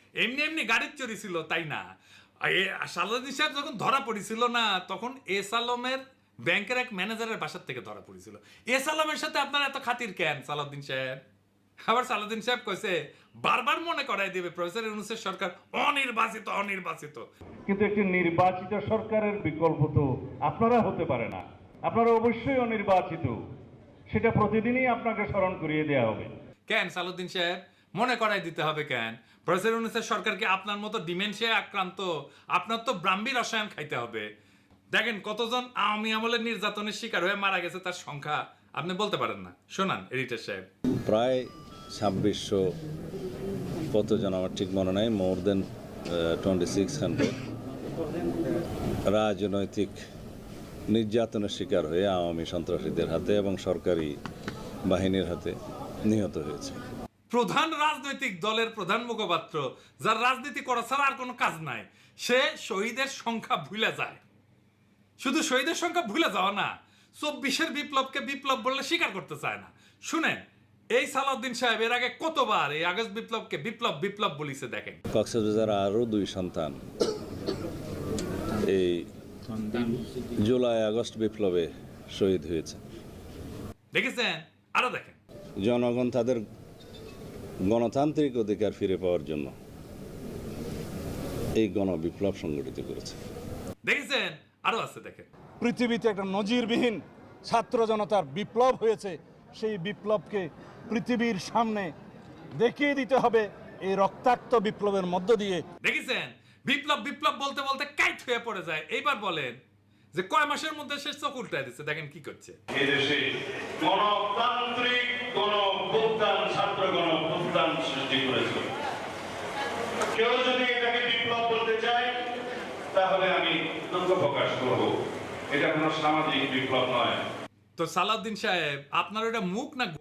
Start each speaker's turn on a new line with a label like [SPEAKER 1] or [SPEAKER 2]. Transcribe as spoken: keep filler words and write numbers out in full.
[SPEAKER 1] এমনি এমনি গাড়ির চুরি ছিল তাই না। সালাউদ্দিন সাহেব যখন ধরা পড়েছিল না, তখন এস আলমের ব্যাংকের এক ম্যানেজারের বাসার থেকে ধরা পড়েছিল। এস আলমের সাথে আপনার এত খাতির কেন সালাউদ্দিন সাহেব? আবার সালাউদ্দিন সাহেব কইছে বারবার মনে করাই দিবে প্রফেসর ইউনূসের সরকার অনির্বাচিত অনির্বাচিত।
[SPEAKER 2] কিন্তু একটি নির্বাচিত সরকারের বিকল্প তো আপনারা হতে পারে না, আপনারা অবশ্যই অনির্বাচিত, সেটা প্রতিদিনই আপনাকে স্মরণ করিয়ে দেওয়া হবে।
[SPEAKER 1] কেন সালাউদ্দিন সাহেব মনে করাই দিতে হবে কেন? প্রফেসর ইউনূসের সরকারকে আপনার মতো ডিমেনশিয়া আক্রান্ত, আপনার তো ব্রাহ্মী রসায়ন খাইতে হবে। দেখেন কতজন আওয়ামী আমলের নির্যাতনের শিকার হয়ে মারা গেছে, তার সংখ্যা আপনি বলতে পারেন না। শোনান এডিটর সাহেব।
[SPEAKER 3] প্রায় ছাব্বিশশো কতজন আমার ঠিক মনে নাই, more than twenty six hundred রাজনৈতিক নির্যাতনের শিকার হয়ে আওয়ামী সন্ত্রাসীদের হাতে এবং সরকারি বাহিনীর হাতে নিহত হয়েছে।
[SPEAKER 1] প্রধান রাজনৈতিক দলের প্রধান মুখপাত্র, যার রাজনীতি করা ছাড়া আর কোনো কাজ নাই, সে শহীদের সংখ্যা ভুলে যায়। শুধু শহীদের সংখ্যা ভুলে যাওয়া না, চব্বিশের বিপ্লবকে বিপ্লব বললে স্বীকার করতে চায় না। শুনেন এই সালাউদ্দিন সাহেব এর আগে কতবার এই আগস্ট বিপ্লবকে বিপ্লব বিপ্লব বলিছে দেখেন।
[SPEAKER 3] কক্সবাজার আরও দুই সন্তান এই জুলাই আগস্ট বিপ্লবে শহীদ হয়েছে।
[SPEAKER 1] দেখেছেন? আরো দেখেন।
[SPEAKER 3] জনগণ তাদের গণতান্ত্রিক অধিকার ফিরে পাওয়ার জন্য এই গণবিপ্লব সংগঠিত করেছে।
[SPEAKER 1] দেখেছেন? আরো আছে দেখেন।
[SPEAKER 4] পৃথিবীতে একটা নজিরবিহীন ছাত্র জনতার বিপ্লব হয়েছে, সেই বিপ্লবকে পৃথিবীর সামনে দেখিয়ে দিতে হবে এই রক্তাক্ত বিপ্লবের মধ্য দিয়ে।
[SPEAKER 1] দেখেছেন? বিপ্লব বিপ্লব বলতে বলতে কাইট হয়ে পড়ে যায়। এইবার বলেন যে কয় মাসের মধ্যে শেষ চোখ উল্টায় দিচ্ছে, দেখেন কি করছে।
[SPEAKER 2] এদেশে গণতান্ত্রিক গণঅভ্যুত্থান, ছাত্র গণঅভ্যুত্থান সৃষ্টি করেছে। কেউ যদি এটাকে বিপ্লব বলতে চায় তাহলে আমি দুঃখ প্রকাশ করব, এটা কোনো সামাজিক বিপ্লব নয়।
[SPEAKER 1] তো সালাউদ্দিন সাহেব আপনার ওটা মুখ না